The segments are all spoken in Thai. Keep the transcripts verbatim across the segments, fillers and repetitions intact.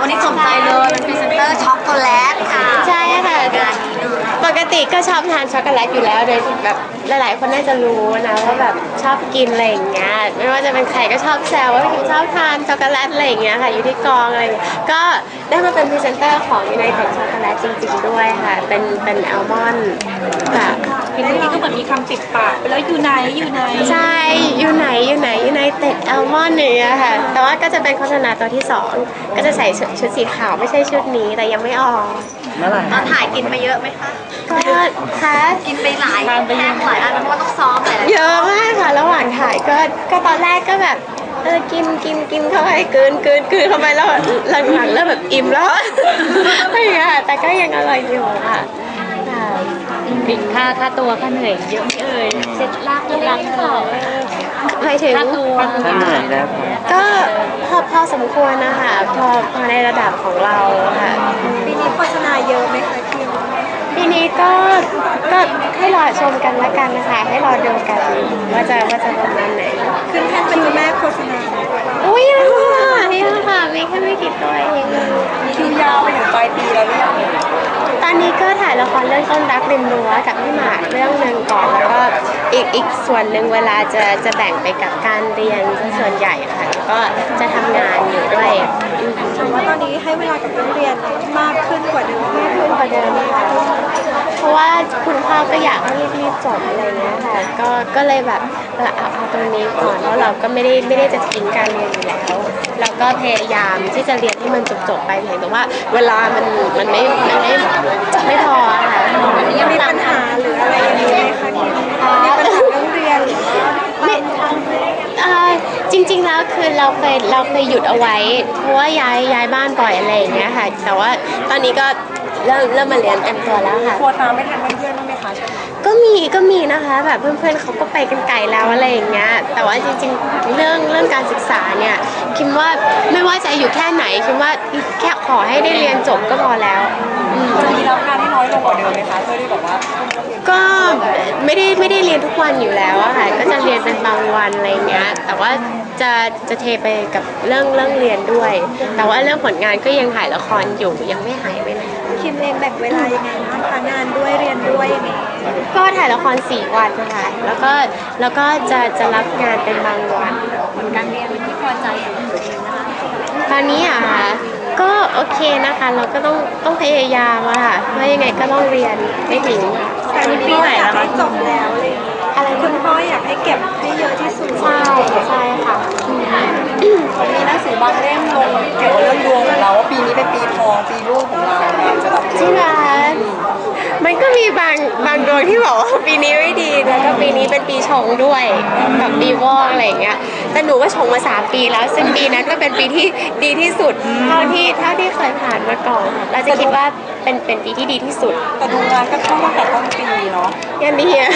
นี้สนใจเลยเป็นพรีเซนเตอร์ช็อกโกแลตค่ะใช่ค่ะปกติก็ชอบทานช็อกโกแลตอยู่แล้วโดยแบบหลายๆคนน่าจะรู้นะว่าแบบชอบกินอะไรอย่างเงี้ยไม่ว่าจะเป็นใครก็ชอบแซวว่าคิมชอบทานช็อกโกแลตอะไรอย่างเงี้ยค่ะอยู่ที่กองอะไรก็ได้มาเป็นพรีเซนเตอร์ของยูไนเต็ดช็อกโกแลตจริงๆด้วยค่ะเป็นเป็นอัลมอนด์แบบเห็นนี้ก็เหมือนมีคำติดปากไปแล้วอยู่ไหนอยู่ไหนใช่อยู่ไหนอยู่ไหนยูไนเต็ดอัลมอนด์เนี่ยค่ะแต่ว่าก็จะเป็นโฆษณาตัวที่สองก็จะใส่ชุดสีขาวไม่ใช่ชุดนี้แต่ยังไม่ออกเมื่อไหร่ตอนถ่ายกินไปเยอะไหมคะก็ค่ะกินไปหลายแท่งหลายอันเพราะว่าต้องซ้อมหลายเยอะมากค่ะระหว่างถ่ายก็ก็ตอนแรกก็แบบเออกินกินกินเข้าไปเกินเกินเกินเข้าไปแล้วหลังๆเริ่มแบบอิ่มแล้วอะไรอย่างเงี้ยแต่ก็ยังอร่อยอยู่ค่ะปิดค่าค่าตัวค่าเหนื่อยเยอะเอ่ยเซ็ตลากลากเขาหมายถึงค่าตัวค่าเหนื่อยแล้วก็พอพอสมควรนะคะพอพอในระดับของเราค่ะปีนี้โฆษณาเยอะไหมคะคิวปีนี้ก็ก็ให้รอชมกันละกันนะคะให้รอดูกันว่าจะว่าจะประมาณไหนขึ้นแท่นเป็นแม่โฆษณาอุ้ยค่ะนี่ค่ะมีแค่ไม่กี่ตัวเองคิวยาวไปถึงปลายปีแล้วหรือยังตอนนี้ก็ถ่ายละครเรื่องต้นรักริมรั้วกับพี่หมากเรื่องหนึ่งก่อนแล้วก็อีกอีกส่วนหนึ่งเวลาจะจะแบ่งไปกับการเรียนส่วนใหญ่ค่ะแล้วก็จะทำงานอยู่ด้วยถือว่าตอนนี้ให้เวลากับเรียนมากขึ้นกว่าเดิมมากขึ้นกว่าเดิมค่ะเพราะว่าคุณพ่อก็อยากให้รีบๆจบอะไรเงี้ยค่ะก็ก็เลยแบบเอาเอาตรงนี้ก่อนเพราะเราก็ไม่ได้ไม่ได้จะทิ้งการเรียนอยู่แล้วเราก็พยายามที่จะเรียนให้มันจบๆไปเพียงแต่ว่าเวลามันมันไม่มันไม่ไม่พอค่ะยังมีปัญหาหรืออะไรอย่างนี้ไหมคะมีปัญหาเรื่องเรียนหรือว่าไม่จริงๆแล้วคือเราเคยเราเคยหยุดเอาไว้เพราะว่าย้ายย้ายบ้านบ่อยอะไรอย่างเงี้ยค่ะแต่ว่าตอนนี้ก็เริ่มเริ่มมาเรียนเต็มตัวแล้วค่ะกลัวตามไม่ทันเพื่อนบ้างไหมคะก็มีก็มีนะคะแบบเพื่อนๆเขาก็ไปกันไกลแล้วอะไรอย่างเงี้ยแต่ว่าจริงๆเรื่องเรื่องการศึกษาเนี่ยคิดว่าไม่ว่าจะอยู่แค่ไหนคิดว่าแค่ขอให้ได้เรียนจบก็พอแล้วจะมีรับงานที่น้อยลงกว่าเดิมไหมคะเพื่อที่แบบว่าก็ไม่ได้ไม่ได้เรียนทุกวันอยู่แล้วอะค่ะก็จะเรียนเป็นบางวันอะไรเงี้ยแต่ว่าจะจะเทไปกับเรื่องเรื่องเรียนด้วยแต่ว่าเรื่องผลงานก็ยังถ่ายละครอยู่ยังไม่หายไปไหนคิมเองแบ่งเวลายังไงบ้างคะงานด้วยเรียนด้วยยังไงก็ถ่ายละครสี่วันนะคะแล้วก็แล้วก็จะจะรับงานเป็นบางวันผลการเรียนที่พอใจของตัวเองนะคะตอนนี้อะค่ะก็โอเคนะคะเราก็ต้องต้องพยายามอะค่ะเพราะยังไงก็ต้องเรียนไม่ทิ้งแต่ปีไหนแล้วคะจบแล้วเลยอะไรคุณพ่ออยากให้เก็บให้เยอะที่สุดใช่ใช่ค่ะมีหนังสือบางเล่มลงเกี่ยวกับเรื่องดวงของเราว่าปีนี้เป็นปีทองปีรุ่งของเราจะแบบจริงเหรอมันก็มีบางบางดวงที่บอกว่าปีนี้ไม่ดีแล้วก็ปีนี้เป็นปีชงด้วยแบบปีวอกอะไรอย่างเงี้ยแต่หนูก็ชงมาสามปีแล้วซึ่งปีนั้นก็เป็นปีที่ดีที่สุดเท่าที่เท่าที่เคยผ่านมาก่อนเราจะคิดว่าเป็นเป็นปีที่ดีที่สุดแต่ดูงานก็เข้าตั้งแต่ต้นปีเนาะยังดีอ่ะ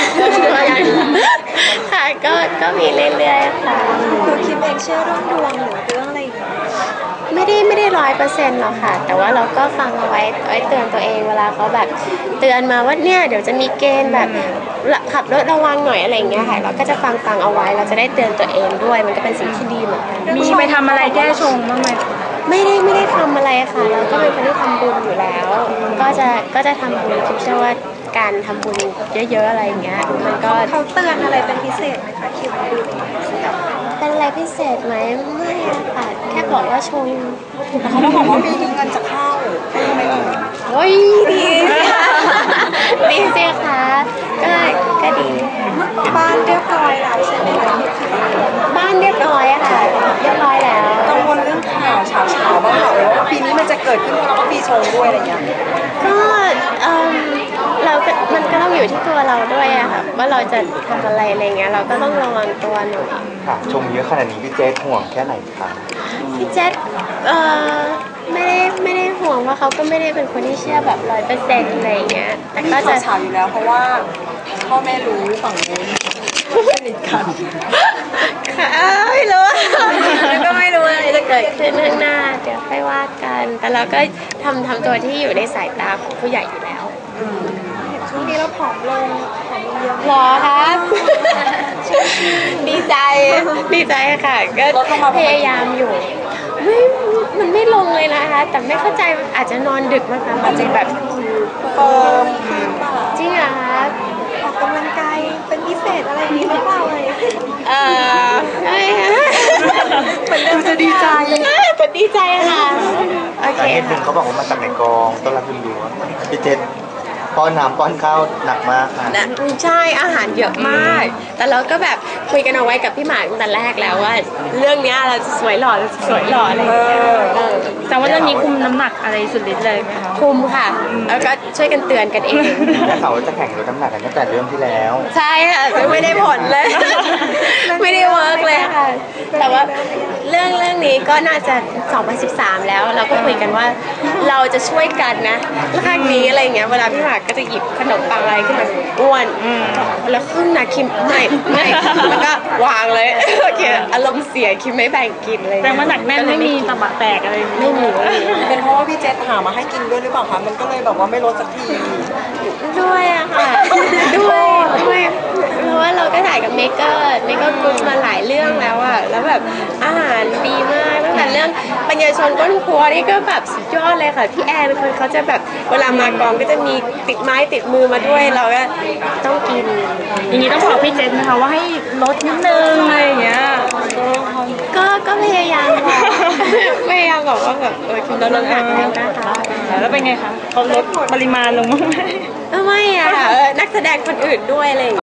ค่ะก็ก็มีเรื่อยๆค่ะคือคิมเองเชื่อเรื่องดวงหรือเรื่องอะไรอย่างเงี้ยไม่ได้ไม่ได้ร้อยเปอร์เซ็นต์หรอกค่ะแต่ว่าเราก็ฟังเอาไว้ไว้เตือนตัวเองเวลาเขาแบบเตือนมาว่าเนี่ยเดี๋ยวจะมีเกณฑ์แบบขับรถระวังหน่อยอะไรอย่างเงี้ยค่ะเราก็จะฟังฟังเอาไว้เราจะได้เตือนตัวเองด้วยมันก็เป็นสิ่งที่ดีเหมือนกันมีไปทำอะไรแก้ชงบ้างไหมไม่ได้ไม่ได้ทำอะไรค่ะเราก็เป็นคนที่ทำบุญอยู่แล้วก็จะก็จะทำบุญคิดเชื่อว่าการทำบุญเยอะๆอะไรอย่างเงี้ยมันก็เขาเตือนอะไรเป็นพิเศษไหมคะคิวเป็นอะไรพิเศษไหมไม่ค่ะแค่บอกว่าชงเขาบอกว่าปีนี้เงินจะเข้าไม่เอ่ยโอ้ยดีสิคะดีสิคะก็ก็ดีบ้านเรียบร้อยแล้วใช่ไหมคะบ้านเรียบร้อยอะค่ะเรียบร้อยแล้วกังวลเรื่องข่าวเช้าเช้าบ้างค่ะว่าปีนี้มันจะเกิดขึ้นเพราะเราก็ปีชงด้วยอะไรเงี้ยก็เออเราก็มันก็ต้องอยู่ที่ตัวเราด้วยอะค่ะว่าเราจะทำอะไรอะไรเงี้ยเราก็ต้องระวังตัวหน่อยค่ะชมเยอะขนาดนี้พี่เจษห่วงแค่ไหนคะพี่เจษเออไม่ได้ไม่ได้ห่วงว่าเขาก็ไม่ได้เป็นคนที่เชื่อแบบร้อยเปอร์เซ็นต์อะไรเงี้ยแต่ก็จะข่าวอยู่แล้วเพราะว่าพ่อแม่รู้ฝั่งนู้นสนิทกันค่ะไม่รู้แล้วก็ไม่รู้อะไรจะเกิดขึ้นข้างหน้าเดี๋ยวค่อยว่ากันแต่เราก็ทำทำตัวที่อยู่ในสายตาของผู้ใหญ่อยู่แล้วช่วงนี้เราผอมลงผอมเยอะหรอครับดีใจดีใจค่ะก็พยายามอยู่ไม่มันไม่ลงเลยนะคะแต่ไม่เข้าใจอาจจะนอนดึกมั้งคะอาจจะแบบเฟิร์มขึ้นป่ะจริงเหรอคะออกกำลังกายเป็นพิเศษอะไรอย่างนี้หรือเปล่าเลยเออไม่ค่ะเหมือนเดิมจะดีใจจะดีใจค่ะโอเคสาเหตุหนึ่ค่ะงเขาบอกว่ามาจากในกองต้นรับคุณดูพี่เจษป้อนน้ำป้อนข้าวหนักมากค่ะนะใช่อาหารเยอะมาก แต่เราก็แบบคุยกันเอาไว้กับพี่หมากตั้งแต่แรกแล้วว่า เรื่องเนี้ยเราจะสวยหล่อเราจะสวยหล่ออะไรอย่างเงี้ยเออแต่ว่าเรื่องนี้คุมน้ำหนักอะไรสุดฤทธิ์เลยไหมคะคุมค่ะ แล้วก็ช่วยกันเตือนกันเองและเขาจะแข่งลดน้ำหนักกันตั้งแต่เรื่องที่แล้วใช่ค่ะซึ่งไม่ได้ผลเลย ไม่ได้เวิร์กเลยค่ะ แต่ว่าเรื่องเรื่องนี้ก็น่าจะสองพันสิบสามแล้ว เราก็คุยกันว่าเราจะช่วยกันนะครั้งนี้อะไรอย่างเงี้ยเวลาพี่หมากก็จะหยิบขนมปังอะไรขึ้นมาอ้วนแล้วครึ่งนะคิมไม่ไม่แล้วก็วางเลยโอเคอารมณ์เสียคิมไม่แบ่งกินเลยแต่ว่าหนักแน่นไม่มีตะบะแตกอะไรอย่างเงี้ยไม่มีไม่มีเป็นเพราะว่าพี่เจษหามาให้กินด้วยหรือเปล่าคะมันก็เลยแบบว่าไม่ลดสักทีด้วยอะค่ะ ด้วยด้วยเพราะว่าเราก็ถ่ายกับเมเกอร์เมเกอร์กรุ๊ปมาหลายเรื่องแล้วอะแล้วแบบอาหารดีมากตั้งแต่เรื่องปัญญาชนก้นครัวนี่ก็แบบสุดยอดเลยค่ะพี่แอนคือเขาจะแบบเวลามากองก็จะมีติดไม้ติดมือมาด้วยเราก็ต้องกินอย่างนี้ต้องบอกพี่เจษนะคะว่าให้ลดนิดนึงอะไรอย่างเงี้ยก็ก็พยายามบอก พยายามบอกว่าแบบเออกินลดน้ำหนักแล้วนะคะแล้วเป็นไงคะเขาลดปริมาณลงบ้างไหมไม่อะค่ะเออนักแสดงคนอื่นด้วยอะไรอย่างเงี้ย